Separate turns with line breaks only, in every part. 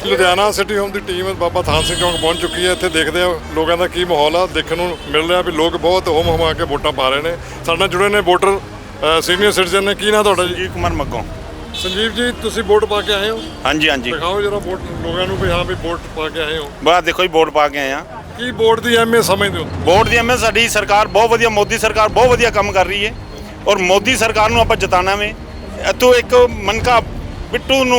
Ludhiana city home ਦੀ team Baba Than Singh ਚੌਂਕ ਪਹੁੰਚ ਚੁੱਕੀ ਹੈ। ਇੱਥੇ ਦੇਖਦੇ ਆ ਲੋਕਾਂ ਦਾ ਕੀ ਮਾਹੌਲ ਆ, ਦੇਖਣ ਨੂੰ ਮਿਲ ਰਿਹਾ ਵੀ ਲੋਕ ਬਹੁਤ ਹੋਮ ਹਮਾ ਕੇ ਵੋਟਾਂ ਪਾ ਰਹੇ ਨੇ। ਸਾਡੇ ਨਾਲ ਜੁੜੇ ਨੇ ਵੋਟਰ ਸੀਨੀਅਰ ਸਿਟੀਜ਼ਨ ਨੇ। ਕੀ ਨਾਂ ਤੁਹਾਡਾ ਜੀ?
ਸੰਜੀਵ ਕੁਮਾਰ ਮੱਗੋਂ।
ਸੰਜੀਵ ਜੀ, ਤੁਸੀਂ ਵੋਟ ਪਾ ਕੇ ਆਏ ਹੋ?
ਹਾਂਜੀ ਹਾਂਜੀ।
ਦਿਖਾਓ ਜਰਾ ਵੋਟ ਲੋਕਾਂ ਨੂੰ ਵੀ ਹਾਂ ਵੀ ਵੋਟ ਪਾ ਕੇ ਆਏ ਹੋ।
ਬਸ ਦੇਖੋ ਜੀ, ਵੋਟ ਪਾ ਕੇ ਆਏ ਆ।
ਕੀ ਵੋਟ ਦੀ ਅਹਿਮੀਅਤ ਸਮਝਦੇ ਹੋ?
ਵੋਟ ਦੀ ਅਹਿਮੀਅਤ, ਸਾਡੀ ਸਰਕਾਰ ਬਹੁਤ ਵਧੀਆ, ਮੋਦੀ ਸਰਕਾਰ ਬਹੁਤ ਵਧੀਆ ਕੰਮ ਕਰ ਰਹੀ ਹੈ ਔਰ ਮੋਦੀ ਸਰਕਾਰ ਨੂੰ ਆਪਾਂ ਜਿਤਾਉਣਾ ਵੇ। ਇੱਥੋਂ ਇੱਕ ਮਨਕਾ ਬਿੱਟੂ ਨੂੰ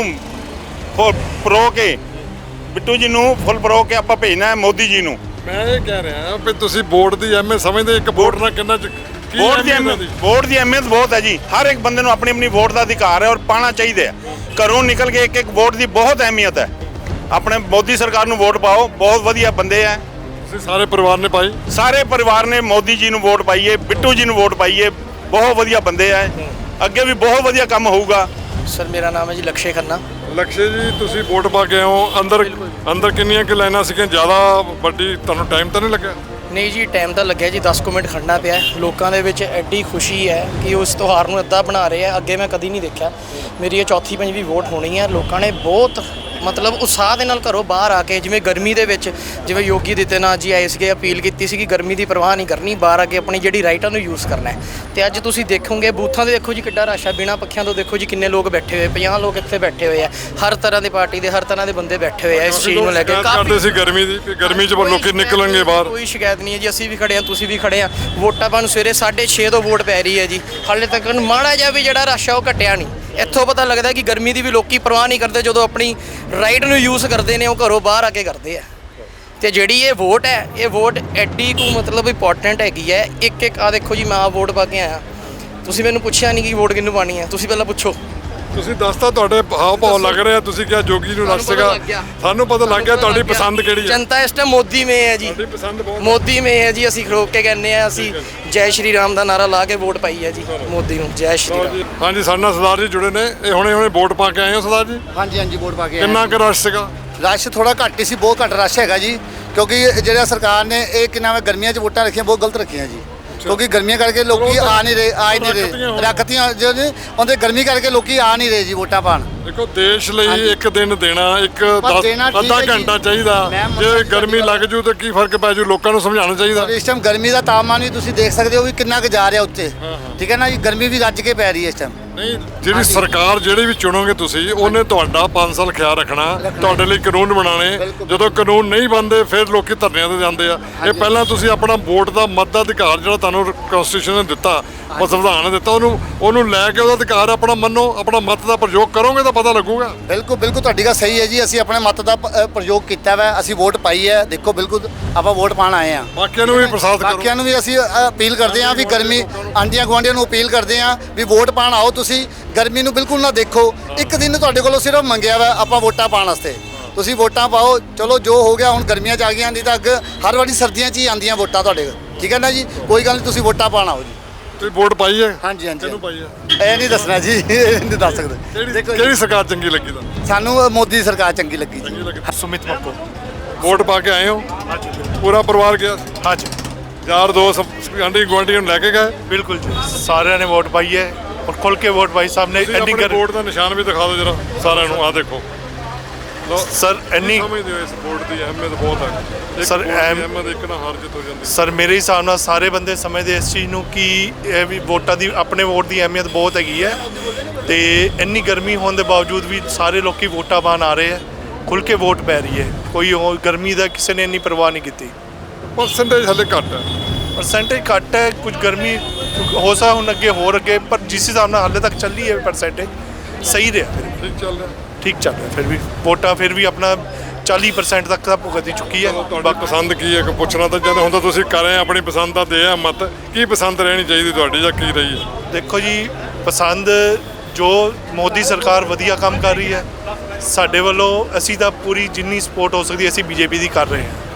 ਪਰੋ ਕੇ, ਬਿੱਟੂ ਜੀ ਨੂੰ ਫੁੱਲ ਪਰੋ ਕੇ ਆਪਾਂ ਭੇਜਣਾ ਹੈ ਮੋਦੀ ਜੀ ਨੂੰ।
ਮੈਂ ਇਹ ਕਹਿ ਰਿਹਾ ਵੀ ਤੁਸੀਂ ਵੋਟ ਦੀ ਅਹਿਮੀਅਤ ਸਮਝਦੇ? ਇੱਕ ਵੋਟ ਨਾਲ ਕਿੰਨਾ
ਵੋਟ ਦੀ ਅਹਿਮੀਅਤ ਬਹੁਤ ਹੈ ਜੀ। ਹਰ ਇੱਕ ਬੰਦੇ ਨੂੰ ਆਪਣੀ ਆਪਣੀ ਵੋਟ ਦਾ ਅਧਿਕਾਰ ਹੈ ਔਰ ਪਾਣਾ ਚਾਹੀਦਾ ਹੈ। ਘਰੋਂ ਨਿਕਲ ਕੇ ਇੱਕ ਵੋਟ ਦੀ ਬਹੁਤ ਅਹਿਮੀਅਤ ਹੈ। ਆਪਣੇ ਮੋਦੀ ਸਰਕਾਰ ਨੂੰ ਵੋਟ ਪਾਓ, ਬਹੁਤ ਵਧੀਆ ਬੰਦੇ ਹੈ।
ਤੁਸੀਂ ਸਾਰੇ ਪਰਿਵਾਰ ਨੇ ਪਾਈ?
ਸਾਰੇ ਪਰਿਵਾਰ ਨੇ ਮੋਦੀ ਜੀ ਨੂੰ ਵੋਟ ਪਾਈਏ, ਬਿੱਟੂ ਜੀ ਨੂੰ ਵੋਟ ਪਾਈਏ, ਬਹੁਤ ਵਧੀਆ ਬੰਦੇ ਹੈ। ਅੱਗੇ ਵੀ ਬਹੁਤ ਵਧੀਆ ਕੰਮ ਹੋਊਗਾ।
ਸਰ ਮੇਰਾ ਨਾਮ ਹੈ ਜੀ ਲਕਸ਼ੇ ਖੰਨਾ।
ਲਕਸ਼ੇ ਜੀ, ਤੁਸੀਂ ਵੋਟ ਪਾ ਕੇ ਆਏ ਹੋ। ਅੰਦਰ ਕਿੰਨੀਆਂ ਕਿ ਲਾਈਨਾਂ ਸੀਗੀਆਂ? ਜ਼ਿਆਦਾ ਵੱਡੀ ਤੁਹਾਨੂੰ ਟਾਈਮ ਤਾਂ ਨਹੀਂ ਲੱਗਿਆ?
ਨਹੀਂ ਜੀ, ਟਾਈਮ ਤਾਂ ਲੱਗਿਆ ਜੀ, 10 ਮਿੰਟ ਖੜਨਾ ਪਿਆ। ਲੋਕਾਂ ਦੇ ਵਿੱਚ ਐਡੀ ਖੁਸ਼ੀ ਹੈ ਕਿ ਉਸ ਤਿਉਹਾਰ ਨੂੰ ਇੱਦਾਂ ਬਣਾ ਰਹੇ ਆ, ਅੱਗੇ ਮੈਂ ਕਦੀ ਨਹੀਂ ਦੇਖਿਆ। ਮੇਰੀ ਇਹ ਚੌਥੀ ਪੰਜਵੀਂ ਵੋਟ ਹੋਣੀ ਹੈ। ਲੋਕਾਂ ਨੇ ਬਹੁਤ ਮਤਲਬ ਉਤਸ਼ਾਹ ਦੇ ਨਾਲ ਘਰੋਂ ਬਾਹਰ ਆ ਕੇ, ਜਿਵੇਂ ਗਰਮੀ ਦੇ ਵਿੱਚ ਜਿਵੇਂ ਯੋਗੀ ਆਦਿੱਤਿਆਨਾਥ ਜੀ ਆਏ ਸੀਗੇ, ਅਪੀਲ ਕੀਤੀ ਸੀ ਕਿ ਗਰਮੀ ਦੀ ਪਰਵਾਹ ਨਹੀਂ ਕਰਨੀ, ਬਾਹਰ ਆ ਕੇ ਆਪਣੀ ਜਿਹੜੀ ਰਾਈਟਾਂ ਨੂੰ ਯੂਜ਼ ਕਰਨਾ ਹੈ। ਤੇ ਅੱਜ ਤੁਸੀਂ ਦੇਖੋਗੇ ਬੂਥਾਂ ਦੇ ਦੇਖੋ ਜੀ ਕਿੱਡਾ ਰਸ਼ ਆ। ਬਿਨਾਂ ਪੱਖਿਆਂ ਤੋਂ ਦੇਖੋ ਜੀ ਕਿੰਨੇ ਲੋਕ ਬੈਠੇ ਹੋਏ, 50 ਲੋਕ ਇੱਥੇ ਬੈਠੇ ਹੋਏ ਆ। ਹਰ ਤਰ੍ਹਾਂ ਦੀ ਪਾਰਟੀ ਦੇ, ਹਰ ਤਰ੍ਹਾਂ ਦੇ ਬੰਦੇ ਬੈਠੇ ਹੋਏ ਆ ਇਸ ਚੀਜ਼ ਨੂੰ ਲੈ ਕੇ।
ਕਰਦੇ ਸੀ ਗਰਮੀ ਦੀ, ਕਿ ਗਰਮੀ 'ਚ ਲੋਕੀ ਨਿਕਲਣਗੇ ਬਾਹਰ।
ਕੋਈ ਸ਼ਿਕਾਇਤ ਨਹੀਂ ਹੈ ਜੀ। ਅਸੀਂ ਵੀ ਖੜੇ ਹਾਂ, ਤੁਸੀਂ ਵੀ ਖੜੇ ਆ। ਵੋਟਾਂ ਪਾਉਣ ਸਵੇਰੇ 6:30 ਤੋਂ ਵੋਟ ਪੈ ਰਹੀ ਹੈ ਜੀ। ਹਾਲੇ ਤੱਕ ਮਾੜਾ ਜਿਹਾ ਵੀ ਜਿਹੜਾ ਰਸ਼ ਆ ਉਹ ਘਟਿਆ ਨਹੀਂ। ਇੱਥੋਂ ਪਤਾ ਲੱਗਦਾ ਕਿ ਗਰਮੀ ਦੀ ਵੀ ਲੋਕੀ ਪਰਵਾਹ ਨਹੀਂ ਕਰਦੇ। ਜਦੋਂ ਆਪਣੀ ਰਾਈਟ ਨੂੰ ਯੂਜ਼ ਕਰਦੇ ਨੇ, ਉਹ ਘਰੋਂ ਬਾਹਰ ਆ ਕੇ ਕਰਦੇ ਆ। ਤੇ ਜਿਹੜੀ ਇਹ ਵੋਟ ਹੈ, ਇਹ ਵੋਟ ਐਡੀ ਕੁ ਮਤਲਬ ਇੰਪੋਰਟੈਂਟ ਹੈਗੀ ਹੈ। ਇੱਕ ਆ ਦੇਖੋ ਜੀ, ਮੈਂ ਆ ਵੋਟ ਪਾ ਕੇ ਆਇਆ। ਤੁਸੀਂ ਮੈਨੂੰ ਪੁੱਛਿਆ ਨਹੀਂ ਕਿ ਵੋਟ ਕਿਹਨੂੰ ਪਾਣੀ ਹੈ, ਤੁਸੀਂ ਪਹਿਲਾਂ ਪੁੱਛੋ।
ਤੁਸੀਂ ਦੱਸਤਾ, ਤੁਹਾਡੇ ਹਾਵ ਭਾਵ ਲੱਗ ਰਿਹਾ। ਤੁਸੀਂ ਕਿਹਾ ਜੋਗੀ ਨੂੰ ਰਸ਼ ਸੀਗਾ, ਸਾਨੂੰ ਪਤਾ ਲੱਗ ਗਿਆ ਤੁਹਾਡੀ ਪਸੰਦ ਕਿਹੜੀ ਹੈ।
ਜਨਤਾ ਇਸ ਟਾਈਮ ਮੋਦੀ ਮੇ ਹੈ ਜੀ,
ਤੁਹਾਡੀ ਪਸੰਦ ਬਹੁਤ
ਮੋਦੀ ਮੇ ਹੈ ਜੀ। ਅਸੀਂ ਖੜੋਕ ਕੇ ਕਹਿੰਦੇ ਆ, ਅਸੀਂ ਜੈ ਸ਼੍ਰੀ ਰਾਮ ਦਾ ਨਾਰਾ ਲਾ ਕੇ ਵੋਟ ਪਾਈ ਹੈ ਜੀ ਮੋਦੀ ਨੂੰ। ਜੈ ਸ਼੍ਰੀ ਰਾਮ।
ਹਾਂਜੀ, ਸਾਡੇ ਨਾਲ ਸਰਦਾਰ ਜੀ ਜੁੜੇ ਨੇ। ਇਹ ਹੁਣੇ ਵੋਟ ਪਾ ਕੇ ਆਏ ਹੋ ਸਰਦਾਰ ਜੀ?
ਹਾਂਜੀ ਹਾਂਜੀ, ਵੋਟ ਪਾ ਕੇ ਆਏ।
ਕਿੰਨਾ ਕੁ ਰਸ਼ ਸੀਗਾ?
ਰਸ਼ ਥੋੜਾ ਘੱਟ ਹੀ ਸੀ, ਬਹੁਤ ਘੱਟ ਰਸ਼ ਹੈਗਾ ਜੀ। ਕਿਉਂਕਿ ਜਿਹੜਾ ਸਰਕਾਰ ਨੇ ਇਹ ਕਿੰਨਾ ਵੇ ਗਰਮੀਆਂ 'ਚ ਵੋਟਾਂ ਰੱਖੀਆਂ, ਬਹੁਤ ਗਲਤ ਰੱਖੀਆਂ ਜੀ। ਕਿਉਂਕਿ ਗਰਮੀਆਂ ਕਰਕੇ ਲੋਕੀ ਆ ਨਹੀਂ ਰਹੇ, ਰੱਖਤੀਆਂ ਜਿਹੜੇ ਉਹਦੇ ਗਰਮੀ ਕਰਕੇ ਲੋਕੀ ਆ ਨਹੀਂ ਰਹੇ ਜੀ ਵੋਟਾਂ ਪਾਣ।
ਦੇਖੋ, ਦੇਸ਼ ਲਈ ਇੱਕ ਦਿਨ ਦੇਣਾ, ਅੱਧਾ ਘੰਟਾ ਚਾਹੀਦਾ। ਜੇ ਗਰਮੀ ਲੱਗ ਜੂ ਤਾਂ ਕੀ ਫਰਕ ਪੈ ਜੂ, ਲੋਕਾਂ ਨੂੰ ਸਮਝਾਉਣਾ ਚਾਹੀਦਾ।
ਇਸ ਟਾਈਮ ਗਰਮੀ ਦਾ ਤਾਪਮਾਨ ਵੀ ਤੁਸੀਂ ਦੇਖ ਸਕਦੇ ਹੋ ਵੀ ਕਿੰਨਾ ਕੁ ਜਾ ਰਿਹਾ ਉੱਤੇ। ਠੀਕ ਹੈ ਨਾ ਜੀ, ਗਰਮੀ ਵੀ ਰੱਜ ਕੇ ਪੈ ਰਹੀ ਹੈ ਇਸ ਟਾਈਮ।
ਨਹੀਂ, ਜਿਹੜੀ ਸਰਕਾਰ ਜਿਹੜੀ ਵੀ ਚੁਣੋਗੇ ਤੁਸੀਂ, ਉਹਨੇ ਤੁਹਾਡਾ 5 ਸਾਲ ਖਿਆਲ ਰੱਖਣਾ, ਤੁਹਾਡੇ ਲਈ ਕਾਨੂੰਨ ਬਣਾਉਣੇ। ਜਦੋਂ ਕਾਨੂੰਨ ਨਹੀਂ ਬਣਦੇ ਫਿਰ ਲੋਕੀ ਧਰਨਿਆਂ ਤੇ ਜਾਂਦੇ ਆ। ਇਹ ਪਹਿਲਾਂ ਤੁਸੀਂ ਆਪਣਾ ਵੋਟ ਦਾ ਮਤ ਦਾ ਅਧਿਕਾਰ ਜਿਹੜਾ ਤੁਹਾਨੂੰ ਕਨਸਟੀਟਿਊਸ਼ਨ ਨੇ ਦਿੱਤਾ, ਉਹ ਸੰਵਿਧਾਨ ਨੇ ਦਿੱਤਾ, ਉਹਨੂੰ ਲੈ ਕੇ ਉਹਦਾ ਅਧਿਕਾਰ ਆਪਣਾ ਮੰਨੋ, ਆਪਣਾ ਮਤ ਦਾ ਪ੍ਰਯੋਗ ਕਰੋਗੇ ਤਾਂ ਪਤਾ ਲੱਗੂਗਾ।
ਬਿਲਕੁਲ ਬਿਲਕੁਲ, ਤੁਹਾਡੀ ਗੱਲ ਸਹੀ ਹੈ ਜੀ। ਅਸੀਂ ਆਪਣੇ ਮਤ ਦਾ ਪ੍ਰਯੋਗ ਕੀਤਾ ਵਾ, ਅਸੀਂ ਵੋਟ ਪਾਈ ਹੈ। ਦੇਖੋ, ਬਿਲਕੁਲ ਆਪਾਂ ਵੋਟ ਪਾਣ ਆਏ ਆ।
ਬਾਕੀਆਂ ਨੂੰ ਵੀ ਪ੍ਰਸਾਦ ਕਰੋ।
ਬਾਕੀਆਂ ਨੂੰ ਵੀ ਅਸੀਂ ਅਪੀਲ ਕਰਦੇ ਹਾਂ ਵੀ ਗਰਮੀ, ਆਂਢੀਆਂ ਗੁਆਂਢੀਆਂ ਨੂੰ ਅਪੀਲ ਕਰਦੇ ਹਾਂ ਵੀ ਵੋਟ ਪਾਣ ਆਓ। ਤੁਸੀਂ ਗਰਮੀ ਨੂੰ ਬਿਲਕੁਲ ਨਾ ਦੇਖੋ। ਇੱਕ ਦਿਨ ਤੁਹਾਡੇ ਕੋਲੋਂ ਸਿਰਫ ਮੰਗਿਆ ਵਾ ਆਪਾਂ ਵੋਟਾਂ ਪਾਉਣ ਵਾਸਤੇ। ਤੁਸੀਂ ਵੋਟਾਂ ਪਾਓ। ਚਲੋ ਜੋ ਹੋ ਗਿਆ, ਹੁਣ ਗਰਮੀਆਂ 'ਚ ਆ ਗਈਆਂ, ਨਹੀਂ ਤਾਂ ਅੱਗੇ ਹਰ ਵਾਰੀ ਸਰਦੀਆਂ 'ਚ ਹੀ ਆਉਂਦੀਆਂ ਵੋਟਾਂ ਤੁਹਾਡੇ। ਠੀਕ ਹੈ ਨਾ ਜੀ, ਕੋਈ ਗੱਲ ਨਹੀਂ, ਤੁਸੀਂ ਵੋਟਾਂ ਪਾਣ ਆਓ ਜੀ।
ਤੁਸੀਂ ਵੋਟ ਪਾਈ ਹੈ?
ਹਾਂਜੀ ਹਾਂਜੀ।
ਕਿਹਨੂੰ ਪਾਈ ਹੈ?
ਇਹ ਨਹੀਂ ਦੱਸਣਾ ਜੀ, ਇਹ ਨਹੀਂ ਦੱਸ ਸਕਦੇ।
ਕਿਹੜੀ ਸਰਕਾਰ ਚੰਗੀ ਲੱਗੀ ਤੁਹਾਨੂੰ?
ਸਾਨੂੰ ਮੋਦੀ ਸਰਕਾਰ ਚੰਗੀ ਲੱਗੀ ਜੀ।
ਸੁਮਿਤ ਮੱਕੋ।
ਵੋਟ ਪਾ ਕੇ ਆਏ ਹੋ? ਪੂਰਾ ਪਰਿਵਾਰ ਗਿਆ?
ਹਾਂਜੀ,
ਯਾਰ ਦੋਸਤ ਆਂਢੀ ਗੁਆਂਢੀਆਂ ਨੂੰ ਲੈ ਕੇ ਗਏ?
ਬਿਲਕੁਲ ਜੀ, ਸਾਰਿਆਂ ਨੇ ਵੋਟ ਪਾਈ ਹੈ ਔਰ ਖੁੱਲ ਕੇ ਵੋਟ ਪਾਈ। ਸਾਹਮਣੇ ਇੰਨੀ
ਵੋਟ ਦਾ ਨਿਸ਼ਾਨ ਵੀ ਦਿਖਾ ਦਿਓ ਜਰਾ ਸਾਰਿਆਂ ਨੂੰ। ਆਹ ਦੇਖੋ
ਸਰ, ਇੰਨੀ
ਸਮਝਦੇ ਹੋ ਇਸ ਵੋਟ ਦੀ ਅਹਿਮੀਅਤ ਬਹੁਤ ਹੈ
ਸਰ।
ਅਹਿਮੀਅਤ ਇੱਕ ਨਾ ਹਾਰ ਜਿੱਤ ਹੋ ਜਾਂਦੀ
ਸਰ, ਮੇਰੇ ਹਿਸਾਬ ਨਾਲ ਸਾਰੇ ਬੰਦੇ ਸਮਝਦੇ ਇਸ ਚੀਜ਼ ਨੂੰ ਕਿ ਇਹ ਵੀ ਵੋਟਾਂ ਦੀ, ਆਪਣੇ ਵੋਟ ਦੀ ਅਹਿਮੀਅਤ ਬਹੁਤ ਹੈਗੀ ਹੈ। ਤੇ ਇੰਨੀ ਗਰਮੀ ਹੋਣ ਦੇ ਬਾਵਜੂਦ ਵੀ ਸਾਰੇ ਲੋਕੀ ਵੋਟਾਂ ਪਾਉਣ ਆ ਰਹੇ ਹੈ, ਖੁੱਲ ਕੇ ਵੋਟ ਪੈ ਰਹੀ ਹੈ। ਕੋਈ ਗਰਮੀ ਦਾ ਕਿਸੇ ਨੇ ਇੰਨੀ ਪਰਵਾਹ ਨਹੀਂ ਕੀਤੀ।
ਪਰਸੈਂਟੇਜ ਹਲੇ ਘੱਟ ਹੈ,
ਪਰਸੈਂਟੇਜ ਘੱਟ ਹੈ। ਕੁਝ ਗਰਮੀ ਹੋ ਸਕਦਾ ਹੁਣ ਅੱਗੇ, ਪਰ ਜਿਸ ਹਿਸਾਬ ਨਾਲ ਹਾਲੇ ਤੱਕ ਚੱਲੀ ਹੈ ਪਰਸੈਂਟੇਜ ਸਹੀ ਰਿਹਾ।
ਠੀਕ ਚੱਲ ਰਿਹਾ,
ਠੀਕ ਚੱਲ ਰਿਹਾ। ਫਿਰ ਵੀ ਵੋਟਾਂ ਫਿਰ ਵੀ ਆਪਣਾ 40% ਤੱਕ ਤਾਂ ਭੁਗਤ ਚੁੱਕੀ ਹੈ।
ਤੁਹਾਡੀ ਪਸੰਦ ਕੀ ਹੈ? ਪੁੱਛਣਾ ਤਾਂ ਜਦੋਂ ਹੁੰਦਾ ਤੁਸੀਂ ਕਰ ਰਹੇ ਆਪਣੀ ਪਸੰਦ ਦਾ ਦੇ ਆ ਮਤ। ਕੀ ਪਸੰਦ ਰਹਿਣੀ ਚਾਹੀਦੀ ਤੁਹਾਡੀ ਜਾਂ ਕੀ ਰਹੀ ਹੈ?
ਦੇਖੋ ਜੀ, ਪਸੰਦ ਜੋ ਮੋਦੀ ਸਰਕਾਰ ਵਧੀਆ ਕੰਮ ਕਰ ਰਹੀ ਹੈ, ਸਾਡੇ ਵੱਲੋਂ ਅਸੀਂ ਤਾਂ ਪੂਰੀ ਜਿੰਨੀ ਸਪੋਰਟ ਹੋ ਸਕਦੀ ਅਸੀਂ ਬੀਜੇਪੀ ਦੀ ਕਰ ਰਹੇ ਹਾਂ।